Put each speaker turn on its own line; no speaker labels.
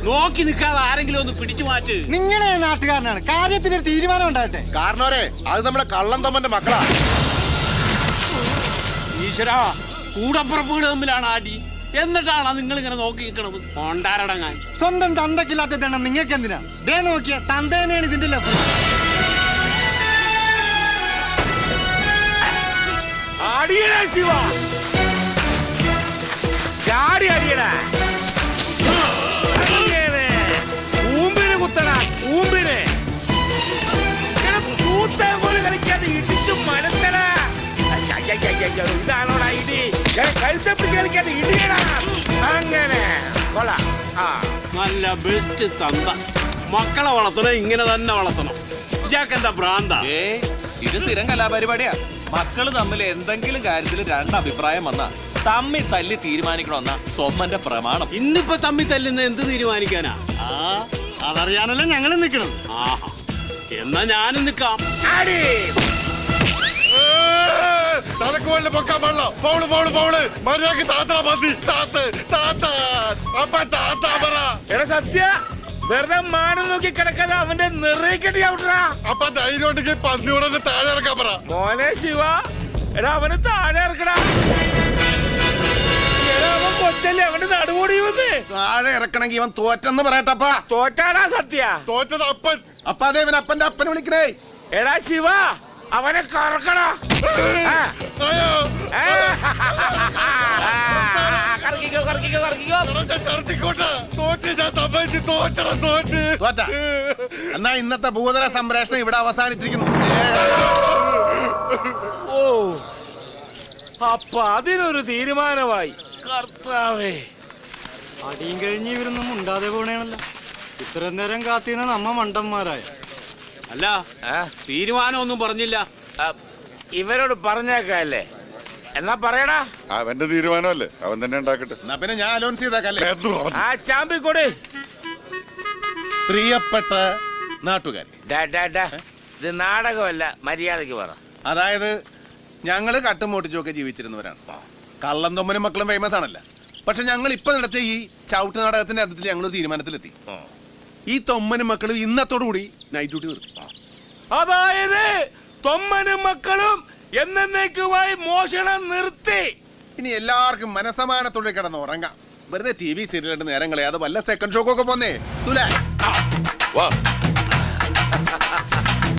നോക്കി നിൽക്കാതെ ആരെങ്കിലും ഒന്ന് പിടിച്ചു മാറ്റ്.
നിങ്ങളെ നാട്ടുകാരനാണ്, കാര്യത്തിനൊരു തീരുമാനം ഉണ്ടാകട്ടെ.
കാരണവരെ അത് നമ്മുടെ കള്ളൻ തമ്മന്റെ മക്കളാ.
ഈശ്വരാ, കൂടപ്പുറപ്പുകൾ തമ്മിലാണ് ആടി. എന്നിട്ടാണ് നിങ്ങൾ ഇങ്ങനെ നോക്കി നിൽക്കണത്? കൊണ്ടാരടങ്ങാൻ.
സ്വന്തം തന്തക്കില്ലാത്ത ദണ്ണം നിങ്ങൾക്ക് എന്തിനാ? ദേ നോക്കിയ തന്തേനെയാണ് ഇതിന്റെ ലഭ്യം.
ശിവ ചാടി അടിയടാ, ൂമ്പിന് കുത്തണ ൂമ്പിന് കൂത്താൻ പോലും കളിക്കാതെ ഇടിച്ചു മനത്തടാ. ഇതാണോടാ ഇടി? കഴുത്തപ്പിടിച്ച് കളിക്കാതെ ഇടിയടാ. അങ്ങനെ കൊള്ളാം.
നല്ല ബെസ്റ്റ് തന്ത. മക്കളെ വളർത്തണം, ഇങ്ങനെ തന്നെ വളർത്തണം. ഇയാൾക്കെന്താ ഭ്രാന്ത?
ഇത് സ്ഥിരം കലാപരിപാടിയാ. മക്കള് തമ്മിൽ എന്തെങ്കിലും കാര്യത്തിൽ രണ്ടഭിപ്രായം വന്നാ തമ്മി തല്ലി തീരുമാനിക്കണമെന്ന തൊമ്മന്റെ പ്രമാണം.
ഇന്നിപ്പോ തമ്മി തല്ലുന്ന എന്ത് തീരുമാനിക്കാനാ?
അതറിയാനല്ലേ ഞങ്ങൾ നിൽക്കണം.
ആഹാ, എന്നാ ഞാനും നിക്കാം.
തലക്കുവല്ല പൊക്കാൻ പാടില്ല. പൗള് പൗള് പൗള് മര്യാദക്ക് താത്താ മതി. താത്ത് താത്ത അപ്പ താത്താ പറ.
എടാ സത്യ, വെറുതെ മാനം നോക്കി കിടക്കാതെ അവന്റെ നിറയിക്കട്ടി ഔട്ടാ.
അപ്പൊ ധൈര്യം ഉണ്ടെങ്കിൽ പന്നിയോടെ താഴെ ഇറക്കാൻ പറ.
മോനെ ശിവ, എടാ അവന് താഴെ ഇറക്കടാ. എടാ അവൻ കൊച്ചല്ലേ, അവന്റെ നടുകൂടി വന്ന്
താഴെ ഇറക്കണമെങ്കിൽ ഇവൻ തോറ്റെന്ന് പറയട്ടപ്പ.
തോറ്റാടാ സത്യ.
തോറ്റത് അപ്പൻ. അപ്പൊ അതേ ഇവൻ അപ്പന്റെ അപ്പനെ വിളിക്കണേ.
എടാ ശിവ, അവനെ കറക്കടാ. കറക്കിക്കോ കറക്കിക്കോ കറക്കിക്കോ.
എന്നാ ഇന്നത്തെ ഭൂതല സംപ്രേഷണം ഇവിടെ അവസാനിച്ചിരിക്കുന്നു.
ഓ, അപ്പൊ അതിനൊരു തീരുമാനമായി. കർത്താവേ,
അടിയും കഴിഞ്ഞ് ഇവരൊന്നും ഉണ്ടാതെ പോണേണല്ലോ. ഇത്ര നേരം കാത്തിരുന്ന നമ്മ മണ്ടന്മാരായ.
അല്ല, തീരുമാനമൊന്നും പറഞ്ഞില്ല.
ഇവരോട് പറഞ്ഞേക്കല്ലേ? എന്നാ പറയടാ.
അവന്റെ തീരുമാനമല്ലേ, അവൻ തന്നെ ഉണ്ടാക്കട്ടെ. എന്നാ പിന്നെ ഞാൻ അലോൺസ് ചെയ്തേക്കല്ലേ.
ആ ചാമ്പിക്കൊട്.
പ്രിയപ്പെട്ട നാട്ടുകാർ,
ഇത് നാടകമല്ല, മര്യാദക്ക് പറ.
അതായത് ഞങ്ങള് കട്ടുമോട്ടിച്ചൊക്കെ ജീവിച്ചിരുന്നവരാണ്. കള്ളം തൊമ്മനും മക്കളും ഫേമസ് ആണല്ല. പക്ഷെ ഞങ്ങൾ ഇപ്പൊ നടത്തിയ ഈ ചവിട്ട് നാടകത്തിന്റെ അർത്ഥത്തിൽ ഞങ്ങൾ തീരുമാനത്തിലെത്തി. ഈ തൊമ്മനും മക്കളും ഇന്നത്തോടുകൂടി നൈറ്റ് ഡ്യൂട്ടി നിർത്തി.
അതായത് തൊമ്മനും മക്കളും എന്നേക്കുമായി മോഷണം നിർത്തി.
ഇനി എല്ലാവർക്കും മനസമാനത്തോടെ കിടന്ന് ഉറങ്ങാം. വെറുതെ TV സീരിയലിട്ട് നേരം കളയാതെ വല്ല സെക്കൻഡ് ഷോക്കൊക്കെ പോന്നേ. സുലാ